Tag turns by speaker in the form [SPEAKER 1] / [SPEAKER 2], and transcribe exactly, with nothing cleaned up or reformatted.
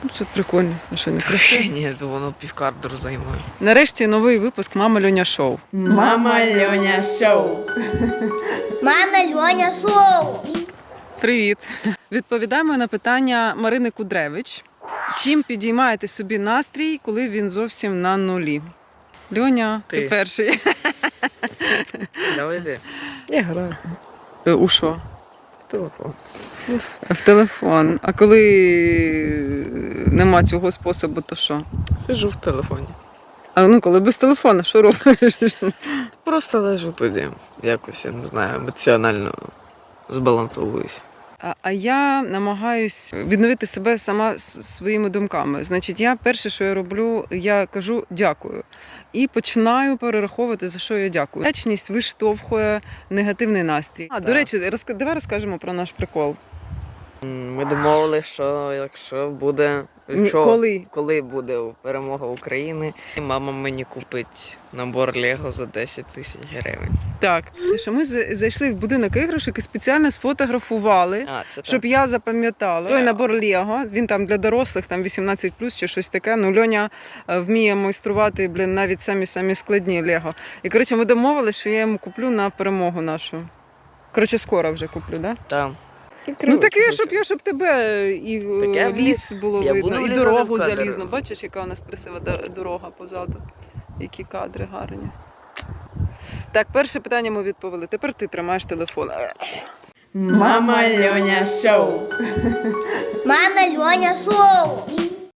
[SPEAKER 1] Це прикольно. А що, не красиво?
[SPEAKER 2] Ні, то воно півкадру займає.
[SPEAKER 1] Нарешті новий випуск «Мама Льоня Шоу».
[SPEAKER 3] Мама Льоня Шоу.
[SPEAKER 4] Мама Льоня Шоу.
[SPEAKER 1] Привіт! Відповідаємо на питання Марини Кудревич. Чим підіймаєте собі настрій, коли він зовсім на нулі? Льоня, ти,
[SPEAKER 2] Ти.
[SPEAKER 1] перший.
[SPEAKER 2] Давай ти.
[SPEAKER 1] Я граю. У що?
[SPEAKER 2] Телефон.
[SPEAKER 1] В телефон. А коли нема цього способу, то що?
[SPEAKER 2] Сижу в телефоні.
[SPEAKER 1] А ну, коли без телефону, що робиш?
[SPEAKER 2] Просто лежу тоді. Якось, я не знаю, емоціонально збалансовуюсь.
[SPEAKER 1] А, а я намагаюсь відновити себе сама с- своїми думками. Значить, я перше, що я роблю, я кажу дякую. І починаю перераховувати, за що я дякую. Вдячність виштовхує негативний настрій. А, до
[SPEAKER 2] Так.
[SPEAKER 1] речі, розк... давай розкажемо про наш прикол.
[SPEAKER 2] М, Ми домовилися, що якщо буде...
[SPEAKER 1] Ні,
[SPEAKER 2] Що,
[SPEAKER 1] коли?
[SPEAKER 2] коли буде перемога України, мама мені купить набор Лего за десять тисяч гривень.
[SPEAKER 1] Так. Те, що ми з- зайшли в будинок іграшок і спеціально сфотографували,
[SPEAKER 2] А, це
[SPEAKER 1] щоб
[SPEAKER 2] так.
[SPEAKER 1] я запам'ятала. Той набор Лего, він там для дорослих, там вісімнадцять плюс чи щось таке. Ну, Льоня е, вміє майструвати, блін, навіть самі-самі складні Лего. І, коротше, ми домовилися, що я йому куплю на перемогу нашу. Коротше, скоро вже куплю, так? Да?
[SPEAKER 2] Там.
[SPEAKER 1] Ну таке, щоб я, щоб тебе і е,
[SPEAKER 2] Так я в
[SPEAKER 1] ліс було
[SPEAKER 2] я
[SPEAKER 1] видно,
[SPEAKER 2] буду
[SPEAKER 1] і
[SPEAKER 2] влізати
[SPEAKER 1] дорогу
[SPEAKER 2] в кадр.
[SPEAKER 1] залізну. Бачиш, яка у нас красива до- дорога позаду. Які кадри гарні. Так, перше питання ми відповіли. Тепер ти тримаєш телефон.
[SPEAKER 3] Мама Льоня Шоу.
[SPEAKER 4] Мама Льоня Шоу.